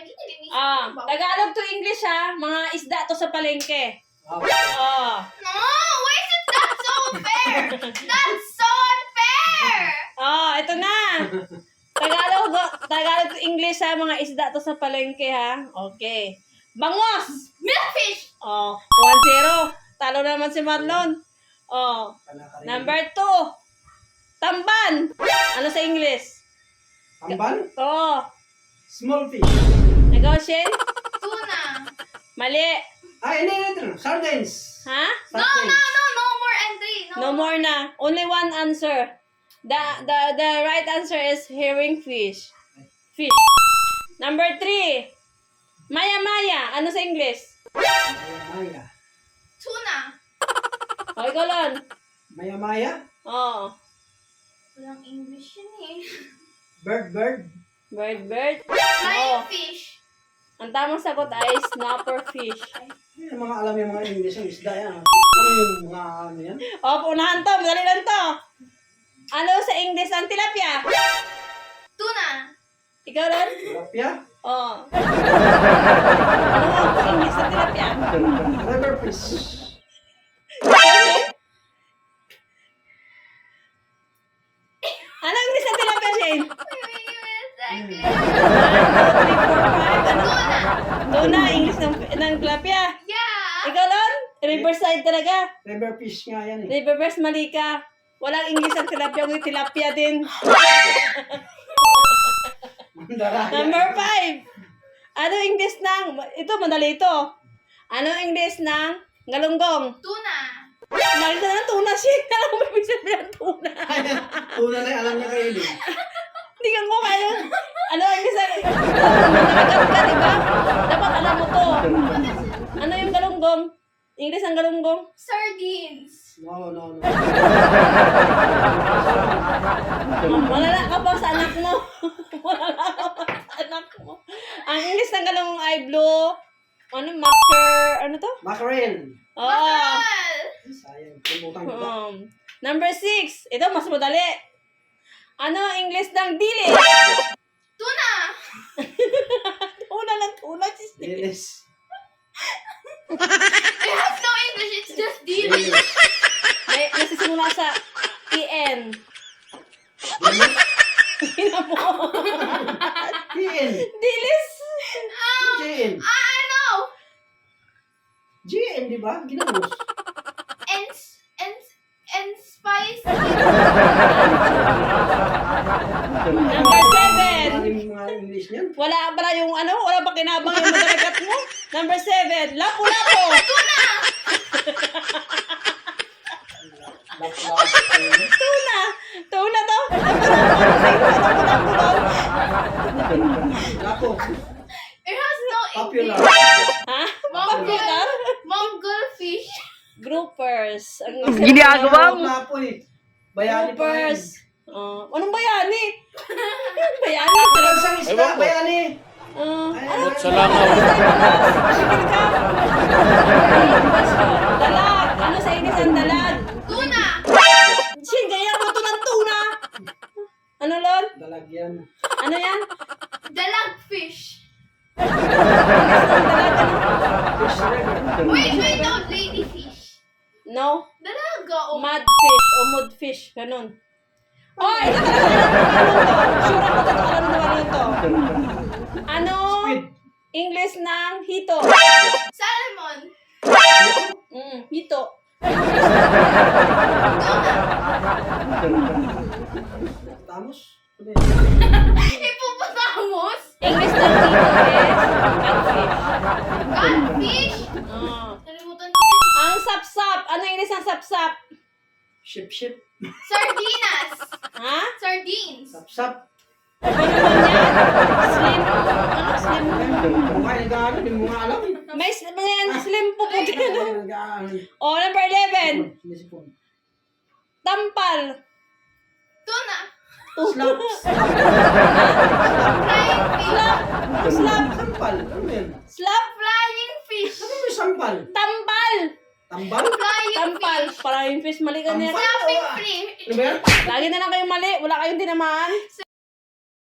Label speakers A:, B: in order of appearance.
A: Tagalog to English ha. Mga isda to sa palengke.
B: Okay.
C: No, why is it that so unfair? That's so unfair!
A: Ito na. Tagalog to English ha. Mga isda to sa palengke ha. Okay. Bangos!
C: Milkfish!
A: 1-0. Talo naman si Marlon. Number 2. Tamban. Ano sa English?
B: Tamban? Small fish.
A: Ikaw, Shane?
C: Tuna.
A: Mali.
B: Ito. Sardines.
A: Ha?
C: No more entry.
A: No more na. Only one answer. The right answer is herring fish. Fish. Number 3. Maya. Ano sa English?
B: Maya.
C: Tuna.
A: Ikaw lang.
B: Maya.
C: Walang English yun eh.
B: Bird.
A: Bird.
C: Flying fish.
A: Ang tamang sagot ay snapper fish.
B: Yung mga alam yung mga English yung isda yan. Ano yung mga ano yan?
A: Unahan to. Madali lang to. Ano sa English ang tilapia?
C: Tuna.
A: Ikaw lang?
B: Tilapia?
A: Ano ang English ang tilapia?
B: River fish.
A: Ano ang English ang tilapia, Shane?
C: Wait a second.
A: 1, 2, 3, 4, 5. Ano?
C: Tuna.
A: Tuna, English ng tilapia.
C: Yeah.
A: Ikaw lang? Riverside talaga.
B: River fish nga yan eh.
A: Riververse, mali ka. Walang English ang tilapia, may tilapia din.
B: Mandaraya.
A: Number 5. Ano English ng, ito, madali ito. Ano English ng galunggong?
C: Tuna.
A: Malita na tuna siya. Alam mo, may sabihin ng tuna.
B: Tuna na yung alam niya kayo din.
A: Hindi ka mo kayo. Ano English ng, nakagat ka, diba? Dapat alam mo to. Ano yung galunggong? English ang galunggong?
C: Sardines.
B: No.
A: Malala ka pa sa anak mo. Malala ka pa sa anak mo. Ang English ng galunggong ay blue. Ano? Ano to?
B: Mackerel.
C: Mackerel.
B: Sayang. Limutan ko ba?
A: Number 6. Ito, mas madali. Ano ang English ng dili?
C: Tuna.
A: Tuna ng tuna.
B: Lilis.
C: It has no English. It's just dili.
A: May nasisimula sa EN. Ina mo.
B: GN.
A: Dilis.
B: GN.
C: I know.
B: GN, di ba? Ginamos.
C: And spicy.
A: Number 7.
B: Ano yung mga English niyan?
A: Wala pala yung ano, wala pa kinabang yung madalagat mo. Number 7. Lapu-lapu. Tuna. Tuna to. Lapu-lapu.
B: Lapo.
C: It has no
B: Popular.
C: English.
A: Ha?
C: Mongol. Mongol fish.
A: Groupers. Ang
B: Ginagawa mo. Lapo eh. Bayani pa yan.
A: Groupers. Anong bayani? Bayani.
B: Walang isang isda, bayani.
A: Ano?
D: Sa langaw.
A: Sige ka. Dalag. Ano sa inis ang dalag?
C: Tuna.
A: Shin, gaya mo to ng tuna. Ano, Lon?
B: Dalagyan.
A: Ano yan?
C: Dalag fish.
A: Dalag, ano?
B: Fish river.
C: Wait, no, lady fish.
A: No?
C: Dalaga.
A: Mudfish o mudfish. Ganun. Ito talaga alam mo to. Sure ako alam mo to. Ano?
B: Squid.
A: English ng hito.
C: Salmon.
A: Hito.
B: Tamos.
C: Hippopotamus.
A: English ng hito is catfish.
C: Catfish. Nalimutan ko din.
A: Ang sapsap. Ano English ng sapsap?
B: Ship.
C: Sardinas.
A: Ha?
C: Sardines.
B: Sap.
A: Ano naman yan? Slim. Ano? Slim.
B: Mukha yung gano'n, hindi mo nga alam eh.
A: May slim po po din.
B: Nag-ano.
A: Number 11.
B: Sinisipon.
A: Tampal.
C: Tuna.
B: Slap.
C: Flying fish.
A: Slap.
B: Sampal. Ano yan?
A: Slap.
C: Flying fish.
B: Ano yung sampal?
A: Tampal.
B: Tambal?
C: Flying
A: Tampal.
C: fish.
A: Parang yung fish. Mali ka niya.
B: Tampal.
C: Flapping fish.
B: Ano ba yan?
A: Lagi na lang kayong mali. Wala kayong tinamaan.